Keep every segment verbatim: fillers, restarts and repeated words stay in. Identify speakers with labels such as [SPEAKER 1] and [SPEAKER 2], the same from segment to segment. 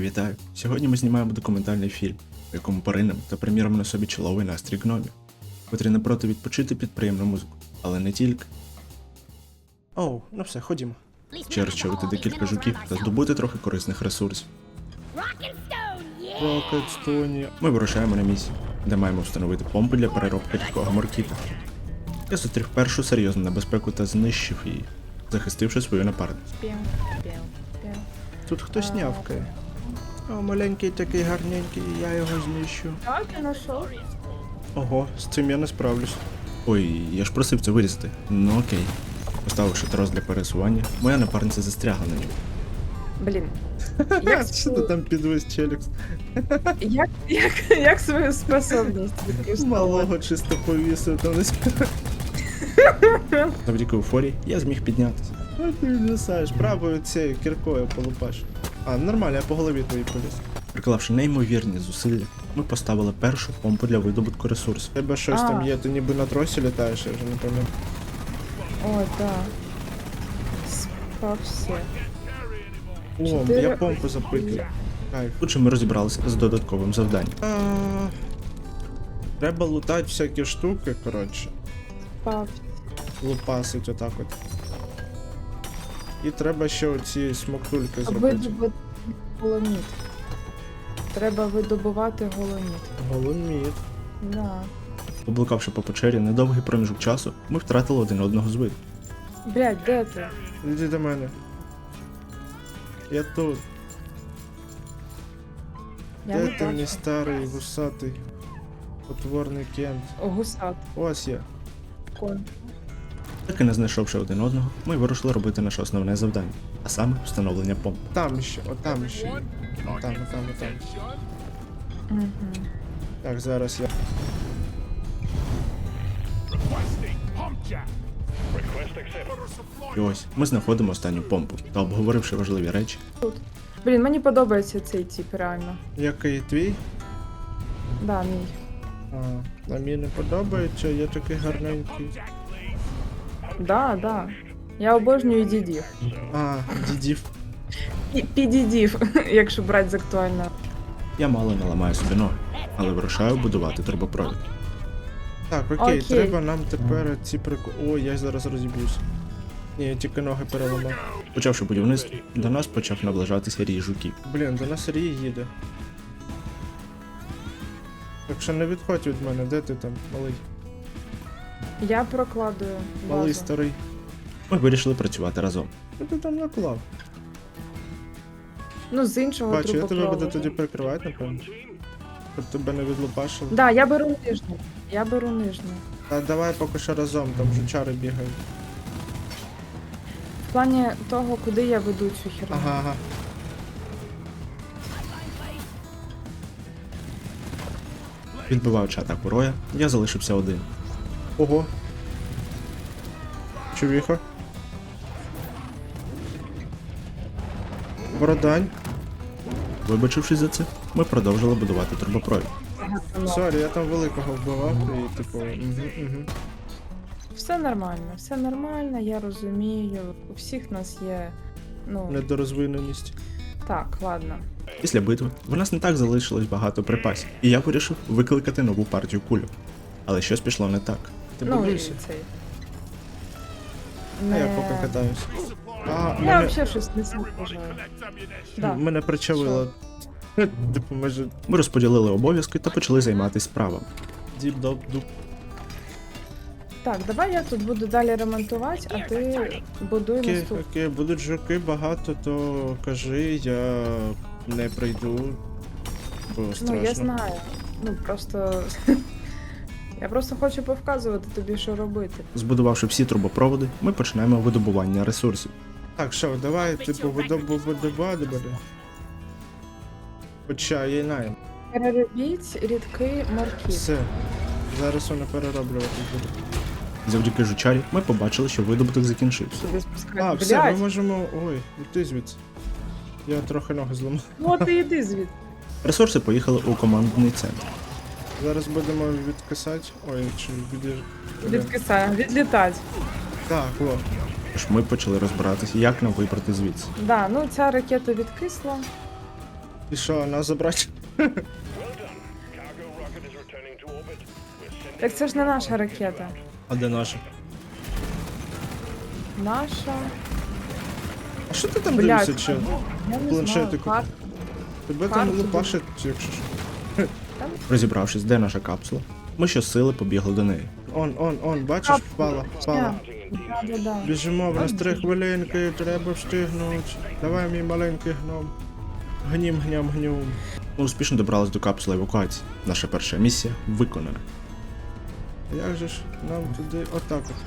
[SPEAKER 1] Вітаю! Сьогодні ми знімаємо документальний фільм, в якому поринемо та приміримо на собі чоловий настрій гномів, котрі не проти відпочити під приємну музику, але не тільки. Оу, ну все, ходімо. Ще розчавити декілька жуків та здобути трохи корисних ресурсів. Рокетстоні. Ми вирушаємо на місію, де маємо встановити помпу для переробки рідкого моркіта. Я зустрів першу серйозну небезпеку та знищив її, захистивши свою напарницю. Тут хтось нявкає. О, маленький такий гарненький, я його знищу.
[SPEAKER 2] Так, я знайшов.
[SPEAKER 1] Ого, з цим я не справлюсь. Ой, я ж просив це вирізати. Ну окей. Поставивши трос для пересування, моя напарниця застрягла на ньому.
[SPEAKER 2] Блін. Як,
[SPEAKER 1] Що ти там підвис, челікс?
[SPEAKER 2] як, як, як свою способність відкористовувати?
[SPEAKER 1] Малого чисто повісив там десь. Завдяки уфорі я зміг піднятися. А ти відвисаєш, правою цією кіркою полупаш. А, нормально, я по голові твоїй поліз. Приклавши неймовірні зусилля, ми поставили першу помпу для видобутку ресурсів. Тебе щось
[SPEAKER 2] А.
[SPEAKER 1] там є, ти ніби на тросі літаєш, я вже не пам'ятаю.
[SPEAKER 2] О, так. Спався.
[SPEAKER 1] О,
[SPEAKER 2] Чотири
[SPEAKER 1] я помпу запитую. Кайф. Тут же ми розібралися з додатковим завданням. А, треба лутати всякі штуки, коротше.
[SPEAKER 2] Спався.
[SPEAKER 1] Лупасить отак от. І треба ще оці смоктульки зробити.
[SPEAKER 2] Видобувати голоміт. Треба видобувати голоміт.
[SPEAKER 1] Голоміт.
[SPEAKER 2] Да.
[SPEAKER 1] Поблукавши по печері недовгий проміжок часу, ми втратили один одного з виду.
[SPEAKER 2] Блядь, де ти?
[SPEAKER 1] Іди до мене. Я тут.
[SPEAKER 2] Я
[SPEAKER 1] Де
[SPEAKER 2] не
[SPEAKER 1] ти мій
[SPEAKER 2] бачу.
[SPEAKER 1] старий, вусатий, потворний кент?
[SPEAKER 2] О, гусат.
[SPEAKER 1] Ось я.
[SPEAKER 2] Конь.
[SPEAKER 1] Так і не знайшовши один одного, ми вирушили робити наше основне завдання, а саме встановлення помп. Там ще, отам ще є. Отам, отам, отам.
[SPEAKER 2] Угу.
[SPEAKER 1] Так, зараз я. І ось, ми знаходимо останню помпу та, обговоривши важливі речі,
[SPEAKER 2] Блін, мені подобається цей тип, реально.
[SPEAKER 1] який твій?
[SPEAKER 2] Да, мій.
[SPEAKER 1] А, а мені не подобається, я такий гарненький.
[SPEAKER 2] Да, да. Я обожнюю дідів.
[SPEAKER 1] А, дідів.
[SPEAKER 2] І підідів, якщо брати з актуального.
[SPEAKER 1] Я мало не ламаю собі ноги, але вирушаю будувати турбопровід. Так, окей,
[SPEAKER 2] Окей.
[SPEAKER 1] треба нам тепер ці прику... Ой, я зараз розіб'юсь. Ні, я тільки ноги переламав. Почавши будівництво, до нас почав наближатися рій жуків. Блін, до нас рій їде. Так що не відходь від мене, де ти там, малий?
[SPEAKER 2] Я прокладую
[SPEAKER 1] Малий
[SPEAKER 2] базу.
[SPEAKER 1] старий. Ми вирішили працювати разом. Що ти там наклав?
[SPEAKER 2] Ну, з іншого
[SPEAKER 1] Бачу, я тебе
[SPEAKER 2] трубопроводу.
[SPEAKER 1] буду тоді прикривати, напевно. Щоб тебе не відлупашило.
[SPEAKER 2] Да, я беру нижню. Я беру нижню.
[SPEAKER 1] А давай поки що разом, там жучари бігають.
[SPEAKER 2] В плані того, куди я веду цю херню.
[SPEAKER 1] Ага, ага. Відбиваючи атаку Роя, я залишився один. Ого. Чувіха. Бородань. Вибачившись за це, ми продовжили будувати турбопровід. Сорі, я там великого вбивав і типу. Угу, угу.
[SPEAKER 2] Все нормально, все нормально, я розумію. У всіх нас є. Ну,
[SPEAKER 1] Недорозвиненість.
[SPEAKER 2] так, ладно.
[SPEAKER 1] Після битви в нас не так залишилось багато припасів, і я вирішив викликати нову партію кульок. Але щось пішло не так. Ти
[SPEAKER 2] Ну, і
[SPEAKER 1] будуєшся?
[SPEAKER 2] цей.
[SPEAKER 1] А
[SPEAKER 2] Не...
[SPEAKER 1] я поки катаюся. А,
[SPEAKER 2] Я
[SPEAKER 1] мене,
[SPEAKER 2] взагалі щось не сам бажаю. Да.
[SPEAKER 1] мене причавило. Типу, ми ж... Ми розподілили обов'язки та почали займатися справами. Діп-доп-дуп.
[SPEAKER 2] Так, давай я тут буду далі ремонтувати, а ти будуй
[SPEAKER 1] Окей,
[SPEAKER 2] наступ.
[SPEAKER 1] окей, будуть жуки багато, то кажи, я не прийду. Бо страшно.
[SPEAKER 2] Ну, я знаю. Ну, просто. Я просто хочу повказувати тобі, що робити.
[SPEAKER 1] Збудувавши всі трубопроводи, ми починаємо видобування ресурсів. Так, що, давай, типу, видобувати. Хоча є найм.
[SPEAKER 2] Переробіть рідкий морків.
[SPEAKER 1] Все. Зараз вони перероблювати будуть. Завдяки жучарі ми побачили, що видобуток закінчився.
[SPEAKER 2] Сюди спускати.
[SPEAKER 1] А, все, ми
[SPEAKER 2] Блядь,
[SPEAKER 1] можемо. Ой, йти звідси. Я трохи ноги зламав.
[SPEAKER 2] ну ти йди звідти.
[SPEAKER 1] Ресурси поїхали у командний центр. Зараз будемо відкисати. Ой, чи від...
[SPEAKER 2] Відкисає, відлітать.
[SPEAKER 1] Так, о. Тож ми почали розбиратися, як нам вибрати звідси.
[SPEAKER 2] Да, ну ця ракета відкисла.
[SPEAKER 1] І що, нас забрати?
[SPEAKER 2] Так це ж не наша ракета.
[SPEAKER 1] А де наша?
[SPEAKER 2] Наша.
[SPEAKER 1] А що ти там
[SPEAKER 2] Блядь,
[SPEAKER 1] дивишся, чел?
[SPEAKER 2] я не
[SPEAKER 1] Планшетику.
[SPEAKER 2] знаю. Кар...
[SPEAKER 1] Тебе там
[SPEAKER 2] карту
[SPEAKER 1] лупашить, якщо що.
[SPEAKER 2] Там?
[SPEAKER 1] Розібравшись, де наша капсула, ми щосили побігли до неї. Он, он, он, бачиш,
[SPEAKER 2] Капсула.
[SPEAKER 1] впала, впала.
[SPEAKER 2] Да, да, да.
[SPEAKER 1] Біжимо, в нас три хвилинки, треба встигнути. Давай, мій маленький гном. Гнім, гням, гнюм. Ми успішно добрались до капсули евакуації. Наша перша місія виконана. Як же ж нам туди отак от?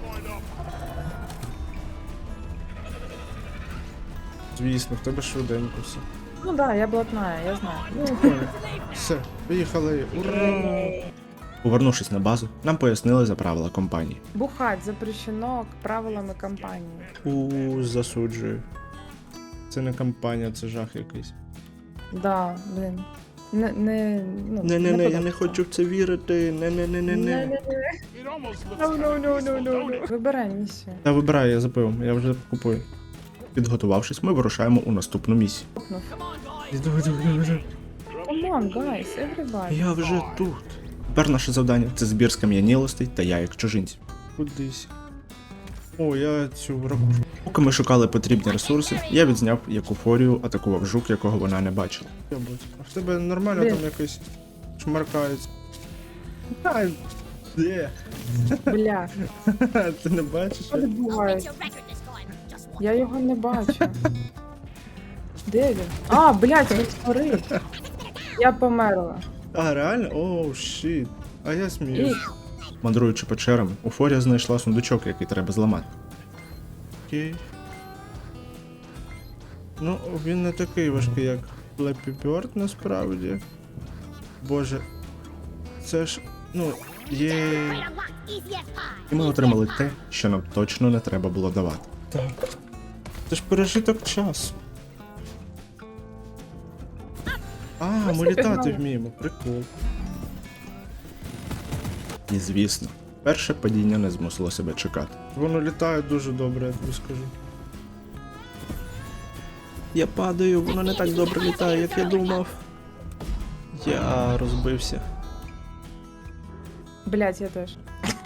[SPEAKER 1] Звісно, в тебе швиденько все.
[SPEAKER 2] Ну да, я блатная, я знаю.
[SPEAKER 1] Ну, понял. Все, поїхали. Ура! Повернувшись на базу, нам пояснили за правила компанії.
[SPEAKER 2] Бухать запрещено правилами компанії.
[SPEAKER 1] У, засуджую. Це не компанія, це жах якийсь.
[SPEAKER 2] Да, блин. Не, не, ну,
[SPEAKER 1] Не-не-не, я
[SPEAKER 2] подобається.
[SPEAKER 1] не хочу в це вірити. Не-не-не-не-не.
[SPEAKER 2] Не-не-не. No, no, no, no, no, no. Вибирай місію.
[SPEAKER 1] Та вибирай, я за пивом, я вже купую. Підготувавшись, ми вирушаємо у наступну місію.
[SPEAKER 2] Кнопнув.
[SPEAKER 1] Іду, іду, іду, іду.
[SPEAKER 2] Come on, guys, everybody.
[SPEAKER 1] Я вже тут. Тепер наше завдання це збір скам'янілостей та яєк чужинців. Кудись. О, я цю ракушу. Поки ми шукали потрібні ресурси, я відзняв, як уфорію атакував жук, якого вона не бачила. А в тебе нормально
[SPEAKER 2] Блін.
[SPEAKER 1] там якось шмаркається. Ай, де?
[SPEAKER 2] Бля,
[SPEAKER 1] Ти не бачиш?
[SPEAKER 2] що відбувається? Я його не бачу. Де він? А, блядь, він створив. Я померла.
[SPEAKER 1] А, реально? Оу, щит. А я
[SPEAKER 2] І...
[SPEAKER 1] сміюсь. Мандруючи печерами, Уфорія знайшла сундучок, який треба зламати. Окей. Ну, він не такий важкий, як Flappy Bird, насправді. Боже. Це ж, ну, є. І ми отримали те, що нам точно не треба було давати. Так. Це ж пережиток часу. А, ми літати
[SPEAKER 2] пігнали.
[SPEAKER 1] вміємо, прикол. І звісно, перше падіння не змусило себе чекати. Воно літає дуже добре, я тобі скажу. Я падаю, воно не так добре літає, як я думав. Я розбився.
[SPEAKER 2] Блядь, я теж.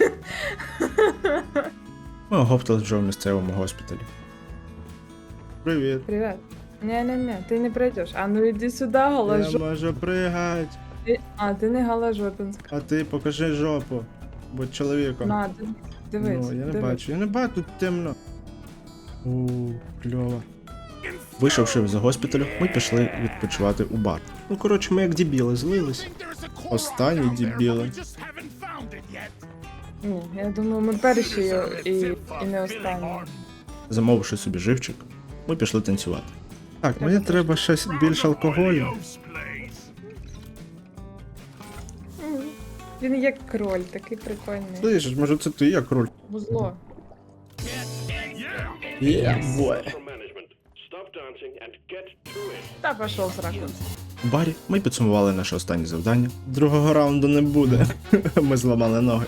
[SPEAKER 1] Ми оговтались вже в місцевому госпіталі. Привіт.
[SPEAKER 2] Привет. Не-не-не, ти не пройдеш. А ну іди сюди,
[SPEAKER 1] Я
[SPEAKER 2] галожо.
[SPEAKER 1] можу пригать.
[SPEAKER 2] Ти... А, ти не галожопінська.
[SPEAKER 1] А ти покажи жопу. Будь чоловіком.
[SPEAKER 2] На, ди- дивись.
[SPEAKER 1] Ну, я не
[SPEAKER 2] дивись.
[SPEAKER 1] бачу, я не бачу, тут темно. У, кльово. Вийшовши з госпіталю, ми пішли відпочивати у бар. Ну, коротше, ми як дебіли злились. Останні дебіли.
[SPEAKER 2] Ні, я думаю, ми перші і, і, і не останні.
[SPEAKER 1] Замовивши собі живчик, ми пішли танцювати. Так,
[SPEAKER 2] Треба
[SPEAKER 1] мені треба щось більш алкоголю.
[SPEAKER 2] М, Він як кроль, такий прикольний.
[SPEAKER 1] Слышиш, може це ти як руль?
[SPEAKER 2] Вузло.
[SPEAKER 1] Є, бой.
[SPEAKER 2] Та пішов сраку.
[SPEAKER 1] У барі ми підсумували наше останнє завдання. Другого раунду не буде. Ми зламали ноги.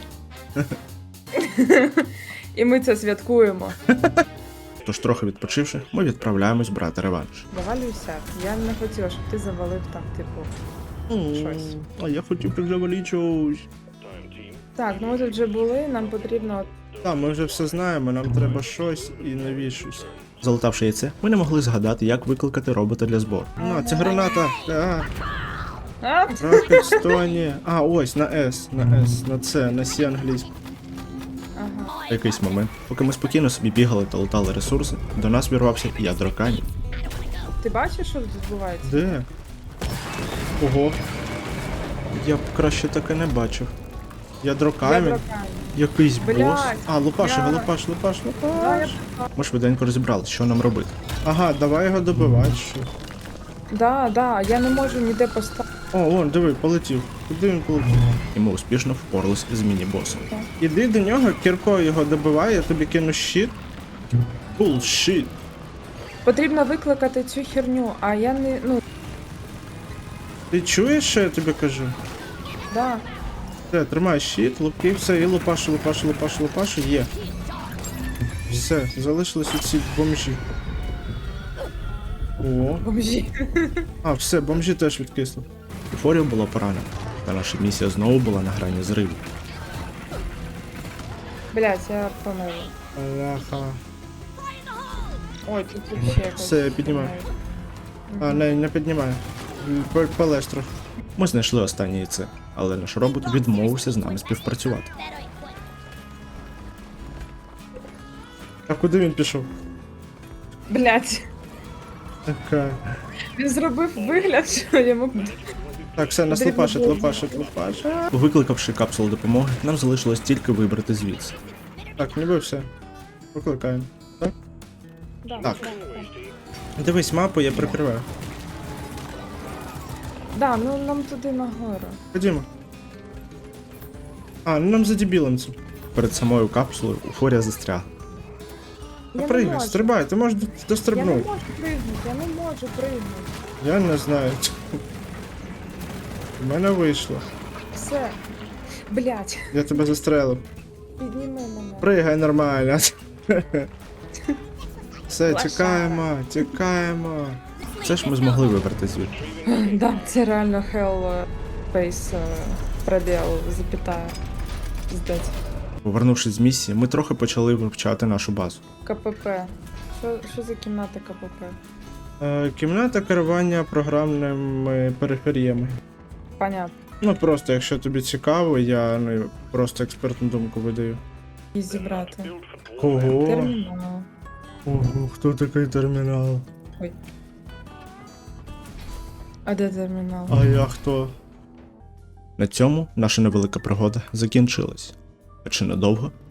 [SPEAKER 2] І ми це святкуємо.
[SPEAKER 1] Тож, трохи відпочивши, ми відправляємось брати реванш.
[SPEAKER 2] Завалюйся. Я не хотіла, щоб ти завалив там, типу. Щось.
[SPEAKER 1] А я хотів підзавалити щось.
[SPEAKER 2] Так, ну ми тут вже були, нам потрібно.
[SPEAKER 1] Так, ми вже все знаємо, нам треба щось і навіщось. Залутавши яйце, ми не могли згадати, як викликати робота для збору. На, це граната! А,
[SPEAKER 2] А?
[SPEAKER 1] Rocket Stone. А, ось, на S, на S, на C, на C англійську.
[SPEAKER 2] Ага.
[SPEAKER 1] В якийсь момент, поки ми спокійно собі бігали та лутали ресурси, до нас вірвався ядро камінь.
[SPEAKER 2] Ти бачиш, що тут відбувається?
[SPEAKER 1] Де? Ого. Я б краще таке не бачив. Ядро камінь?
[SPEAKER 2] Ядро камінь.
[SPEAKER 1] Якийсь бос.
[SPEAKER 2] Блядь,
[SPEAKER 1] А, лупаш його,
[SPEAKER 2] я-
[SPEAKER 1] лупаш, лупаш,
[SPEAKER 2] Да, я...
[SPEAKER 1] лупаш. Ми швиденько розібрали, що нам робити. Ага, давай його добивати. Що?
[SPEAKER 2] да, да, я не можу ніде поставити.
[SPEAKER 1] О, вон, диви, полетів. Куди він полетів? І ми успішно впорались з міні-босом. Іди до нього, кіркою його добивай, я тобі кину щит. Булшіт.
[SPEAKER 2] Потрібно викликати цю херню, а я не. Ну,
[SPEAKER 1] Ти чуєш, що я тобі кажу?
[SPEAKER 2] да.
[SPEAKER 1] Все, тримай щит, лупки, все, і лупашу, лупашу, лупашу, лупашу, є. Все, залишились оці бомжі. О.
[SPEAKER 2] Бомжі.
[SPEAKER 1] А, все, бомжі теж відкисли. Ейфорія була поранена, та наша місія знову була на грані зриву.
[SPEAKER 2] Блять, я померла.
[SPEAKER 1] Бляха.
[SPEAKER 2] Ой, тут вообще якось.
[SPEAKER 1] Все, я піднімаю. А, не, не піднімаю. П- Полез трохи. Ми знайшли останнє яйце, але наш робот відмовився з нами співпрацювати. А куди він пішов?
[SPEAKER 2] Блять,
[SPEAKER 1] Така.
[SPEAKER 2] він зробив вигляд, що йому.
[SPEAKER 1] Так, все, нас
[SPEAKER 2] Потрібно
[SPEAKER 1] лопашить,
[SPEAKER 2] було
[SPEAKER 1] лопашить, лопашить. Викликавши капсулу допомоги, нам залишилось тільки вибрати звідси. Так, ніби все. Викликаємо. Так?
[SPEAKER 2] Да,
[SPEAKER 1] Так.
[SPEAKER 2] Да, да.
[SPEAKER 1] Дивись мапу, я прикриваю.
[SPEAKER 2] Да, ну нам туди нагору.
[SPEAKER 1] Ходімо. А, ну нам за дебілом це. Перед самою капсулою Уфорія застрягла.
[SPEAKER 2] Я не
[SPEAKER 1] Пригай,
[SPEAKER 2] можу.
[SPEAKER 1] стрибай, ти можеш
[SPEAKER 2] Я не
[SPEAKER 1] дострибнути.
[SPEAKER 2] можу пригнути, я не можу пригнути.
[SPEAKER 1] Я не знаю. У мене вийшло.
[SPEAKER 2] Все. Блять,
[SPEAKER 1] Я тебе застрелив.
[SPEAKER 2] підніми мене.
[SPEAKER 1] Пригай нормально. Все,
[SPEAKER 2] Лошара.
[SPEAKER 1] тікаємо, тікаємо. Це ж ми змогли вибрати звідти.
[SPEAKER 2] Да, це реально hell face пробіл, запятая. Здать.
[SPEAKER 1] Повернувшись з місії, ми трохи почали вивчати нашу базу.
[SPEAKER 2] КПП. Що, що за кімната КПП?
[SPEAKER 1] Е, кімната керування програмними периферіями.
[SPEAKER 2] Понятно.
[SPEAKER 1] Ну просто, якщо тобі цікаво, я ну, просто експертну думку видаю.
[SPEAKER 2] І зібрати.
[SPEAKER 1] Кого?
[SPEAKER 2] Термінал.
[SPEAKER 1] Ого, хто такий термінал?
[SPEAKER 2] А де термінал?
[SPEAKER 1] А я хто? На цьому наша невелика пригода закінчилась. А чи надовго?